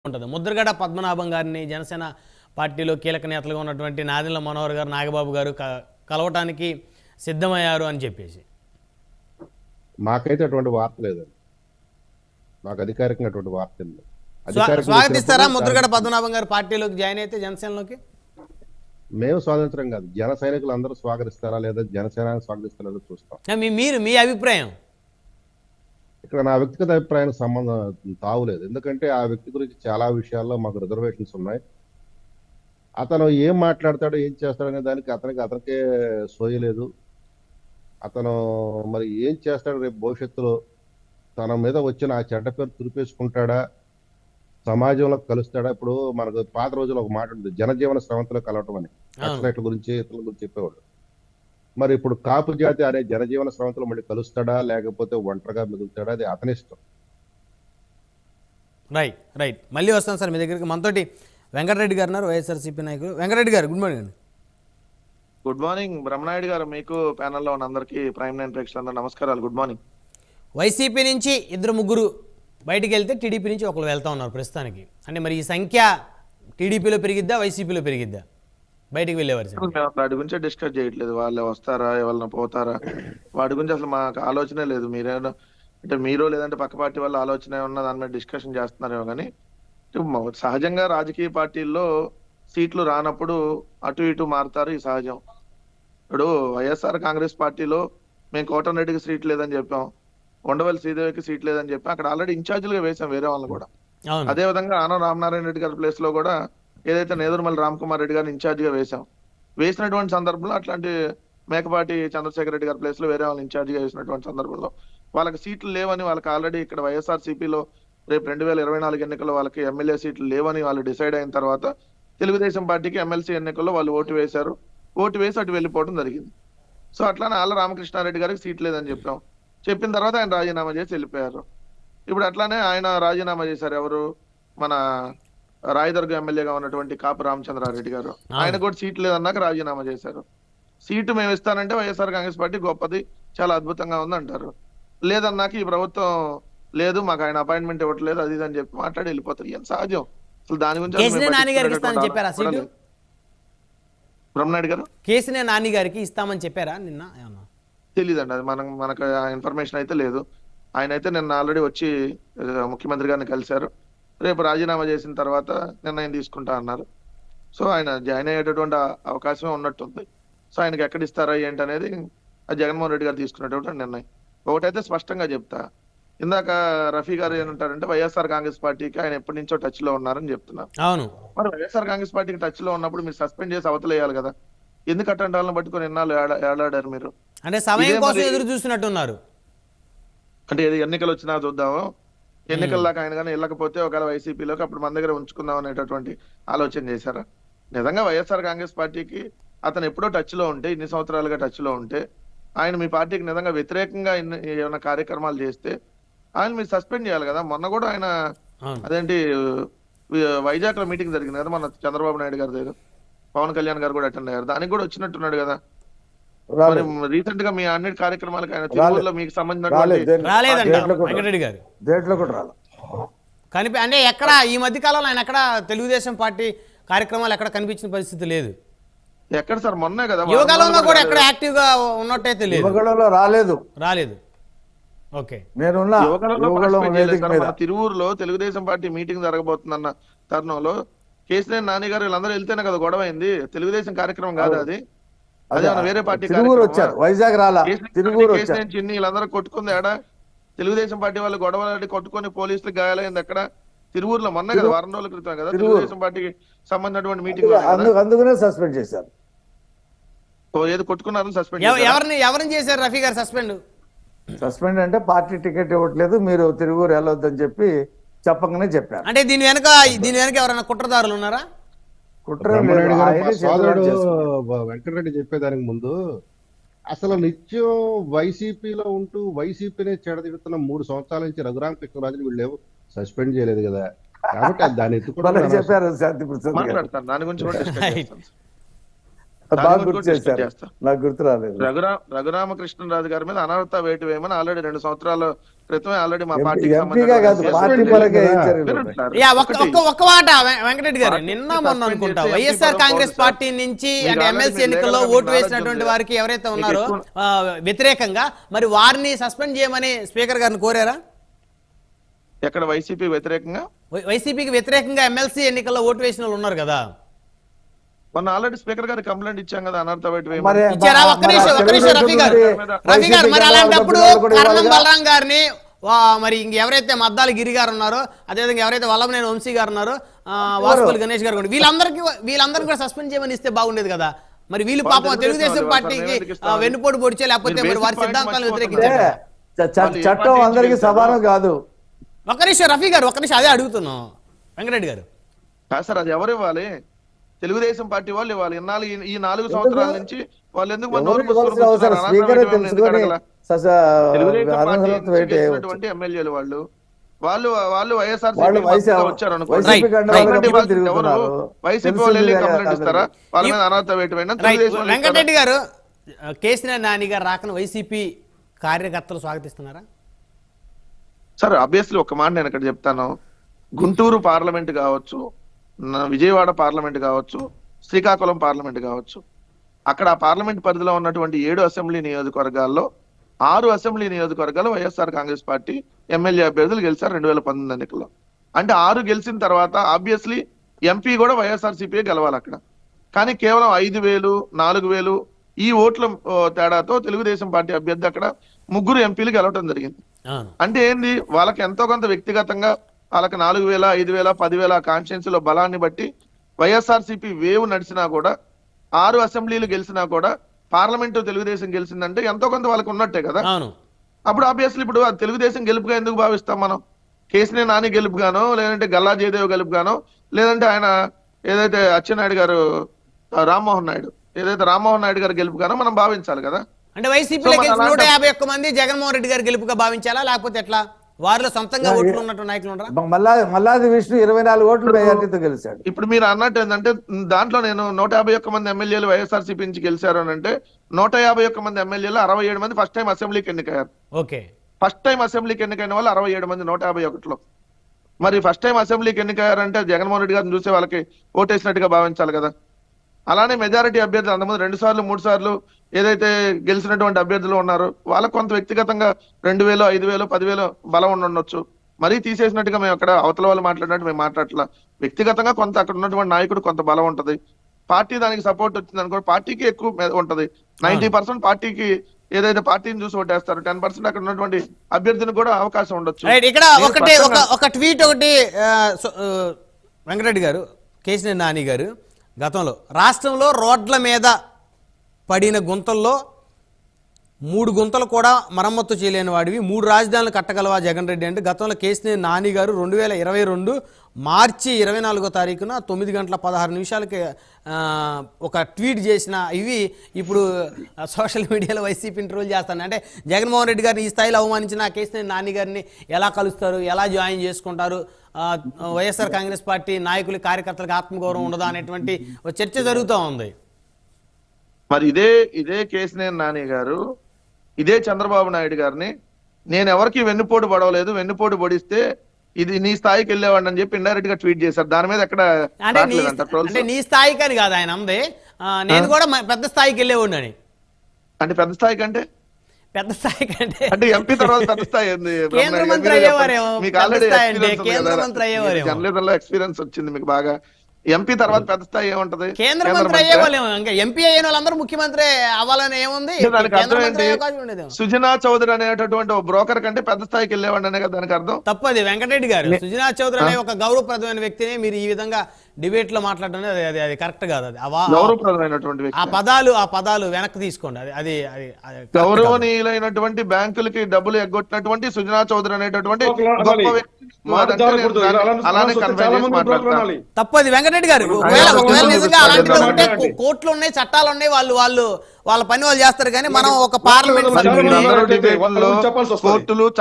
ఉంటుంది. ముద్రగడ పద్మనాభం గారిని జనసేన పార్టీలో కీలక నేతలుగా ఉన్నటువంటి నాదెండ్ల మనోహర్ గారు, నాగబాబు గారు కలవటానికి సిద్ధమయ్యారు అని చెప్పేసి. మాకైతే అటువంటి వార్త లేదండి. మాకు అధికారికంగా అటువంటి వార్త లేదు. స్వాగతిస్తారా ముద్రగడ పద్మనాభం గారు పార్టీలోకి జాయిన్ అయితే జనసేనలోకి? మేము స్వాతంత్రం కాదు, జన సైనికులు అందరూ స్వాగతిస్తారా లేదా, జనసేన స్వాగతిస్తారా చూస్తాం. మీ అభిప్రాయం? ఇక్కడ నా వ్యక్తిగత అభిప్రాయానికి సంబంధం తావులేదు. ఎందుకంటే ఆ వ్యక్తి గురించి చాలా విషయాల్లో మాకు రిజర్వేషన్స్ ఉన్నాయి. అతను ఏం మాట్లాడతాడో ఏం చేస్తాడనే దానికి అతనికే సోయలేదు. అతను మరి ఏం చేస్తాడు రేపు భవిష్యత్తులో, తన మీద వచ్చిన ఆ చెడ్డ పేరు తురిపేసుకుంటాడా, సమాజంలో కలుస్తాడా? ఇప్పుడు మనకు పాత రోజుల్లో ఒక మాట ఉంది, జనజీవన స్రవంతిలో కలవటం అని. నక్సలైట్ల గురించి ఇతరుల గురించి చెప్పేవాడు. మరి ఇప్పుడు కాపు జాతి అనే జనజీవన స్రవంతిలో మళ్ళీ కలుస్తాడా లేకపోతే ఒంటరిగా మిగులుతాడా, అది అతని ఇష్టం. రైట్ మళ్ళీ వస్తాను సార్ మీ దగ్గరికి. మనతోటి వెంకటరెడ్డి గారు ఉన్నారు, వైఎస్ఆర్సీపీ నాయకులు. వెంకటరెడ్డి గారు గుడ్ మార్నింగ్ అండి. గుడ్ మార్నింగ్ బ్రహ్మనాయుడు గారు, మీకు ప్యానెల్లో ఉన్న అందరికీ ప్రైమ్ నైన్ ప్రేక్షకులందరూ నమస్కారాలు. Good morning. వైసీపీ నుంచి ఇద్దరు ముగ్గురు బయటికి వెళ్తే టీడీపీ నుంచి ఒకరు వెళ్తా ఉన్నారు ప్రస్తుతానికి. అంటే మరి ఈ సంఖ్య టీడీపీలో పెరిగిద్దా వైసీపీలో పెరిగిద్దా బయటికి వెళ్ళేవారు? మేము వాటి గురించి డిస్కస్ చేయట్లేదు, వాళ్ళు వస్తారా ఎవరైనా పోతారా వాటి గురించి అసలు మాకు ఆలోచనే లేదు. మీరేమో అంటే మీరు లేదంటే పక్క పార్టీ వాళ్ళ ఆలోచన ఉన్న దాని మీద డిస్కషన్ చేస్తున్నారేమో కానీ, సహజంగా రాజకీయ పార్టీల్లో సీట్లు రానప్పుడు అటు ఇటు మారుతారు, ఈ సహజం. ఇప్పుడు వైఎస్ఆర్ కాంగ్రెస్ పార్టీలో మేము కోటరెడ్డికి సీట్ లేదని చెప్పాం, ఉండవల్లి శ్రీదేవికి సీట్ లేదని చెప్పాం. అక్కడ ఆల్రెడీ ఇన్ఛార్జీలుగా వేసాం వేరే వాళ్ళని కూడా. అదే విధంగా ఆనం రామనారాయణ రెడ్డి గారి ప్లేస్ లో కూడా ఏదైతే నేదురుమల్లి రామ్ కుమార్ రెడ్డి గారిని ఇన్ఛార్జిగా వేసాం. వేసినటువంటి సందర్భంలో అట్లాంటి మేకపాటి చంద్రశేఖర్ రెడ్డి గారి ప్లేస్ లో వేరే వాళ్ళని ఇన్ఛార్జిగా వేసినటువంటి సందర్భంలో వాళ్ళకి సీట్లు లేవని, వాళ్ళకి ఆల్రెడీ ఇక్కడ వైఎస్ఆర్సీపీలో రేపు 2024 ఎన్నికల్లో వాళ్ళకి ఎమ్మెల్యే సీట్లు లేవని వాళ్ళు డిసైడ్ అయిన తర్వాత తెలుగుదేశం పార్టీకి ఎమ్మెల్సీ ఎన్నికల్లో వాళ్ళు ఓటు వేశారు. ఓటు వేసి అటు వెళ్ళిపోవడం జరిగింది. సో అట్లానే ఆళ్ళ రామకృష్ణారెడ్డి గారికి సీట్ లేదని చెప్పాం. చెప్పిన తర్వాత ఆయన రాజీనామా చేసి వెళ్ళిపోయారు. ఇప్పుడు అట్లానే ఆయన రాజీనామా చేశారు. ఎవరు? మన రాయదుర్గ ఎమ్మెల్యేగా ఉన్నటువంటి కాపు రామచంద్రారెడ్డి గారు. ఆయన కూడా సీట్ లేదన్నాక రాజీనామా చేశారు. సీటు మేము ఇస్తానంటే వైఎస్ఆర్ కాంగ్రెస్ పార్టీ గొప్పది, చాలా అద్భుతంగా ఉంది అంటారు. లేదన్నాక ఈ ప్రభుత్వం లేదు, మాకు ఆయన అపాయింట్మెంట్ ఇవ్వట్లేదు, అది ఇది అని చెప్పి మాట్లాడి వెళ్ళిపోతారు. ఏం సహజం. అసలు దాని గురించి బ్రహ్మనాయుడు గారు కేసీనే నాని గారికి ఇస్తామని చెప్పారా నిన్న? తెలీదండి, అది మనకు ఇన్ఫర్మేషన్ అయితే లేదు. ఆయన అయితే నిన్న ఆల్రెడీ వచ్చి ముఖ్యమంత్రి గారిని కలిశారు. రేపు రాజీనామా చేసిన తర్వాత నిర్ణయం తీసుకుంటా అన్నారు. సో ఆయన జాయిన్ అయ్యేటటువంటి అవకాశమే ఉన్నట్టుంది. సో ఆయనకి ఎక్కడ ఇస్తారా ఏంటి అనేది జగన్మోహన్ రెడ్డి గారు తీసుకునేటువంటి నిర్ణయం. ఒకటైతే స్పష్టంగా చెప్తా, ఇందాక రఫీ గారు ఏమంటారంటే వైఎస్ఆర్ కాంగ్రెస్ పార్టీకి ఆయన ఎప్పటి నుంచో టచ్ లో ఉన్నారని చెప్తున్నారు. అవును, మరి వైఎస్ఆర్ కాంగ్రెస్ పార్టీకి టచ్ లో ఉన్నప్పుడు మీరు సస్పెండ్ చేసి అవతలేయాలి కదా. ఎందుకు అట్టంటి వాళ్ళని పట్టుకొని ఎన్నాళ్ళు ఏడాడారు మీరు? అంటే సమయం కోసం ఎదురు చూస్తున్నట్టున్నారు. అంటే ఏది ఎన్నికలు వచ్చినా చూద్దాము, ఎన్నికల దాకా ఆయన కానీ వెళ్ళకపోతే ఒకవేళ వైసీపీలోకి అప్పుడు మన దగ్గర ఉంచుకుందాం అనేటటువంటి ఆలోచన చేశారా? నిజంగా వైఎస్ఆర్ కాంగ్రెస్ పార్టీకి అతను ఎప్పుడో టచ్ లో ఉంటే, ఇన్ని సంవత్సరాలుగా టచ్ లో ఉంటే, ఆయన మీ పార్టీకి నిజంగా వ్యతిరేకంగా ఏమైనా కార్యక్రమాలు చేస్తే ఆయన మీరు సస్పెండ్ చేయాలి కదా. మొన్న కూడా ఆయన అదేంటి వైజాగ్ లో మీటింగ్ జరిగింది కదా మన చంద్రబాబు నాయుడు గారి దగ్గర, పవన్ కళ్యాణ్ గారు కూడా అటెండ్ అయ్యారు, దానికి కూడా వచ్చినట్టున్నాడు కదా. రీసెంట్ గా మీ అన్నిటి కార్యక్రమాలకు ఆయన తిరుపతిలో మీకు సంబంధించిన అంటే ఎక్కడ ఈ మధ్య కాలంలో ఆయన ఎక్కడ తెలుగుదేశం పార్టీ కార్యక్రమాలు ఎక్కడ కనిపించిన పరిస్థితి లేదు. ఎక్కడ సార్? మొన్నే కదా యువకాలంలో కూడా ఎక్కడ యాక్టివ్ గా ఉన్నట్టయితే లేదు, రాలేదు. ఓకే, తిరువూరులో తెలుగుదేశం పార్టీ మీటింగ్ జరగబోతుందన్న తరుణంలో కేసీఆర్ నాని గారు వీళ్ళందరూ వెళ్తేనే కదా గొడవ అయింది. తెలుగుదేశం కార్యక్రమం కాదు అది, అదే వేరే పార్టీ చిన్ని వీళ్ళందరూ కొట్టుకుంది ఆడ. తెలుగుదేశం పార్టీ వాళ్ళు గొడవలాడి కొట్టుకొని పోలీసులు గాయాలైంది ఎక్కడ? తిరువూరులో మొన్న కదా, వారం రోజుల క్రితం కదా తెలుగుదేశం పార్టీకి సంబంధించినటువంటి మీటింగ్. అందుకనే సస్పెండ్ చేశారు. ఏది కొట్టుకున్నారని సస్పెండ్. ఎవరిని చేశారు రఫీ గారు సస్పెండ్ అంటే పార్టీ టికెట్ ఇవ్వట్లేదు, మీరు తిరువూరు వెళ్ళొద్దని చెప్పి చెప్పగానే చెప్పారు. అంటే దీని వెనక ఎవరైనా కుట్రదారులు ఉన్నారా? వెంకటరెడ్డి చెప్పేదానికి ముందు అసలు నిత్యం వైసీపీలో ఉంటూ వైసీపీనే చెడదిడుతున్న 3 సంవత్సరాల నుంచి రఘురామకృష్ణరాజుని వీళ్ళు సస్పెండ్ చేయలేదు కదా. కాబట్టి దాన్ని చెప్పారు. మాట్లాడతాను దాని గురించి. బాగా గురించి గుర్తు కూడా discuss చేశారు, చేస్తా. నాకు గుర్తు రాలేదు. రఘురామకృష్ణరాజు గారి మీద అనర్హత వేటు వేయమని ఆల్రెడీ 2 సంవత్సరాల క్రితమే ఆల్రెడీ మా ఎంపీగా పార్టీకి కాదు, పార్టీ పరంగా ఏం చర్యలు ఉన్నాయి? యా, ఒక్క మాట వెంకటరెడ్డి గారు, నిన్న మొన్న అనుకుంటా వైఎస్ఆర్ కాంగ్రెస్ పార్టీ నుంచి అంటే ఎమ్మెల్సీ ఎన్నికల్లో ఓటు వేసినటువంటి వారికి ఎవరైతే ఉన్నారో వ్యతిరేకంగా మరి వారిని సస్పెండ్ చేయమని స్పీకర్ గారిని కోరారా? ఎక్కడ వైసీపీ వ్యతిరేకంగా? వైసీపీకి వ్యతిరేకంగా ఎమ్మెల్సీ ఎన్నికల్లో ఓటు వేసిన వాళ్ళు ఉన్నారు కదా. మొన్న ఆల్రెడీ స్పీకర్ గారికి కంప్లైంట్ ఇచ్చాం కదా అనర్హత వేటు మరి వేయమని. ఇచ్చారా? ఒక్క నిమిషం రఫీ గారు మరి అలాంటప్పుడు కరణం బలరాం గారిని మరి ఎవరైతే మద్దాలి గిరి గారు ఉన్నారో, అదేవిధంగా ఎవరైతే వల్లభనేని వంశీ గారు ఉన్నారో, వాసుపల్లి గణేష్ గారు కూడా, వీళ్ళందరికీ కూడా సస్పెండ్ చేయమని ఇస్తే బాగుండేది కదా. మరి వీళ్ళు పాపం తెలుగుదేశం పార్టీకి వెన్నుపోటు పొడిచే, లేకపోతే మరి వారి సిద్ధాంతాలను వ్యతిరేకించారు. చట్టం అందరికీ సమానం కాదు. ఒక్క నిమిషం రఫీ గారు, ఒక్క నిమిషం అదే అడుగుతున్నాం వెంకటరెడ్డి గారు. కాదు సార్, అది ఎవరు ఇవ్వాలి? తెలుగుదేశం పార్టీ వాళ్ళు ఇవ్వాలి. ఇన్నాళ్ళు ఈ 4 సంవత్సరాల నుంచి వాళ్ళు ఎందుకు మన నోరు మూసుకొని కూర్చున్నారు? అనర్హత వేటు వేయమని ఎందుకు అడగలా? తెలుగుదేశం పార్టీ నుంచి గెలిచినటువంటి ఎమ్మెల్యేలు వాళ్ళు వైఎస్ఆర్సీపీ వచ్చారు అనుకోండి, వైసీపీ వాళ్ళు వెళ్ళి కంప్లైంట్ ఇస్తారా వాళ్ళ మీద అనర్హత వేటు వేయమని? తెలుగుదేశం వాళ్ళు ఇస్తారా? వెంకటరెడ్డి గారు, కేసీఆర్ నాని గారు రాకను వైసీపీ కార్యకర్తలు స్వాగతిస్తున్నారా? సార్ ఆబ్వియస్లీ ఒక మాట నేను ఇక్కడ చెప్తాను. గుంటూరు పార్లమెంట్ కావచ్చు, విజయవాడ పార్లమెంట్ కావచ్చు, శ్రీకాకుళం పార్లమెంట్ కావచ్చు, అక్కడ ఆ పార్లమెంట్ పరిధిలో ఉన్నటువంటి 7 అసెంబ్లీ నియోజకవర్గాల్లో 6 అసెంబ్లీ నియోజకవర్గాలు వైఎస్ఆర్ కాంగ్రెస్ పార్టీ ఎమ్మెల్యే అభ్యర్థులు గెలిచారు 2019 ఎన్నికల్లో. అంటే 6 గెలిచిన తర్వాత ఆబ్వియస్లీ ఎంపీ కూడా వైఎస్ఆర్సీపీ గెలవాలి అక్కడ. కానీ కేవలం 5,000, 4,000 ఈ ఓట్ల తేడాతో తెలుగుదేశం పార్టీ అభ్యర్థి అక్కడ 3 ఎంపీలు గెలవటం జరిగింది. అంటే ఏంది, వాళ్ళకి ఎంతో కొంత వ్యక్తిగతంగా వాళ్ళకి 4,000, 5,000, 10,000 కాన్స్టిట్యున్సీలో బలాన్ని బట్టి వైఎస్ఆర్సీపీ వేవ్ నడిచినా కూడా 6 అసెంబ్లీలు గెలిచినా కూడా పార్లమెంటు తెలుగుదేశం గెలిచిందంటే ఎంతో కొంత వాళ్ళకి ఉన్నట్టే కదా. అప్పుడు ఆబ్వియస్లీ ఇప్పుడు అది తెలుగుదేశం గెలుపుగా ఎందుకు భావిస్తాం మనం? కేసీఆర్ నాని గెలుపుగానో, లేదంటే గల్లా జయదేవ్ గెలుపుగానో, లేదంటే ఆయన ఏదైతే అచ్చెన్నాయుడు గారు రామ్మోహన్ నాయుడు గారు గెలుపుగానో మనం భావించాలి కదా. అంటే వైసీపీలో గెలిచిన 151 మంది జగన్మోహన్ రెడ్డి గారు గెలుపుగా భావించాలా, లేకపోతే ఎట్లా? వారిలో సొంతంగా ఓట్లు ఉన్నట్టు నాయకులు ఉండరా? మల్లాది విష్ణు 24 ఓట్లు మెజార్టీతో గెలిచాడు. ఇప్పుడు మీరు అన్నట్టు ఏంటంటే దాంట్లో నేను 151 మంది ఎమ్మెల్యేలు వైఎస్ఆర్సీపీ నుంచి గెలిచారు అని అంటే 151 మంది ఎమ్మెల్యేలు 67 మంది ఫస్ట్ టైం అసెంబ్లీకి ఎన్నికయ్యారు. ఓకే, ఫస్ట్ టైం అసెంబ్లీకి ఎన్నికైన వాళ్ళు 67 మంది 151లో. మరి ఫస్ట్ టైం అసెంబ్లీకి ఎన్నికయ్యారంటే జగన్మోహన్ రెడ్డి గారిని చూసే వాళ్ళకి ఓటేసినట్టుగా భావించాలి కదా. అలానే మెజారిటీ అభ్యర్థులు అంతమంది 2 సార్లు 3 సార్లు ఏదైతే గెలిచినటువంటి అభ్యర్థులు ఉన్నారో వాళ్ళకు కొంత వ్యక్తిగతంగా 2,000, 5,000, 10,000 బలం ఉండొచ్చు. మరీ తీసేసినట్టుగా మేము అక్కడ అవతల వాళ్ళు మాట్లాడినట్టు మేము మాట్లాడట్లా. వ్యక్తిగతంగా కొంత అక్కడ ఉన్నటువంటి నాయకుడు కొంత బలం ఉంటది. పార్టీ దానికి సపోర్ట్ వచ్చింది అనుకో, పార్టీకి ఎక్కువ ఉంటది. 90% పార్టీకి ఏదైతే పార్టీని చూసి ఓటేస్తారు, 10% అక్కడ ఉన్నటువంటి అభ్యర్థిని కూడా అవకాశం ఉండొచ్చు. ఇక్కడ ఒక ట్వీట్ ఒకటి వెంకటరెడ్డి గారు, కేసీఆర్ నాని గారు గతంలో రాష్ట్రంలో రోడ్ల మీద పడిన గుంతల్లో 3 గుంతలు కూడా మరమ్మత్తు చేయలేని వాడివి 3 రాజధానులు కట్టగలవా జగన్ రెడ్డి అంటే గతంలో కేసీఆర్ నాని గారు 2022 మార్చి 24వ తారీఖున 9 గంటల 16 నిమిషాలకి ఒక ట్వీట్ చేసిన ఇవి ఇప్పుడు సోషల్ మీడియాలో వైసీపీని ట్రోల్ చేస్తాను. అంటే జగన్మోహన్ రెడ్డి గారిని ఈ స్థాయిలో అవమానించిన కేసీఆర్ నాని గారిని ఎలా కలుస్తారు, ఎలా జాయిన్ చేసుకుంటారు, వైఎస్ఆర్ కాంగ్రెస్ పార్టీ నాయకులు కార్యకర్తలకు ఆత్మగౌరవం ఉండదా అనేటువంటి చర్చ జరుగుతూ ఉంది. మరి ఇదే కేసీఆర్ నాని గారు ఇదే చంద్రబాబు నాయుడు గారిని నేను ఎవరికి వెన్నుపోటు పడవలేదు, వెన్నుపోటు పొడిస్తే ఇది నీ స్థాయికి వెళ్ళేవాడిని అని చెప్పి ఇండైరెక్ట్ గా ట్వీట్ చేశారు. దాని మీద ఎక్కడ అంటే నీ స్థాయికి అని కాదు ఆయన అంది, నేను కూడా పెద్ద స్థాయికి వెళ్ళేవాడిని అని. అంటే పెద్ద స్థాయికి అంటే అంటే ఎంపీ తర్వాత పెద్ద స్థాయి కేంద్ర మంత్రి అయ్యేవారేమో, మీకు ఆల్రెడీ జర్నలిజంలో ఎక్స్పీరియన్స్ వచ్చింది మీకు బాగా. ఎంపీ తర్వాత పెద్ద స్థాయి ఏముంటది? కేంద్ర మంత్రి అయ్యేవాళ్ళేమో. ఇంకా ఎంపీ అయిన వాళ్ళందరూ ముఖ్యమంత్రి అవ్వాలని ఏముంది? దానికి అర్థం ఏంటి? సుజనా చౌదరి అనేటటువంటి ఒక బ్రోకర్ కంటే పెద్ద స్థాయికి వెళ్ళేవాడి అనే కదా దానికి అర్థం. తప్పది వెంకటరెడ్డి గారు. సుజనా చౌదరి అనే ఒక గౌరవప్రదమైన వ్యక్తిని మీరు ఈ విధంగా డిబేట్ లో మాట్లాడడం అది కరెక్ట్ కాదు. అది గౌరవప్రదమైనటువంటి వ్యక్తి. ఆ పదాలు వెనక్కి తీసుకోండి. అది గౌరవనీయులైనటువంటి బ్యాంకులకి డబ్బులు ఎగ్గొట్టినటువంటి సుజనా చౌదరి అనేటటువంటి గొప్ప వ్యక్తి అలానే మాట్లాడతారు. తప్పది వెంకటరెడ్డి గారు. ఒకవేళ నిజంగా అలాంటివి ఉంటే కోర్టులు ఉన్నాయి, చట్టాలు ఉన్నాయి, వాళ్ళ పని వాళ్ళు చేస్తారు. కానీ మనం ఒక పార్లమెంట్ కోర్టులు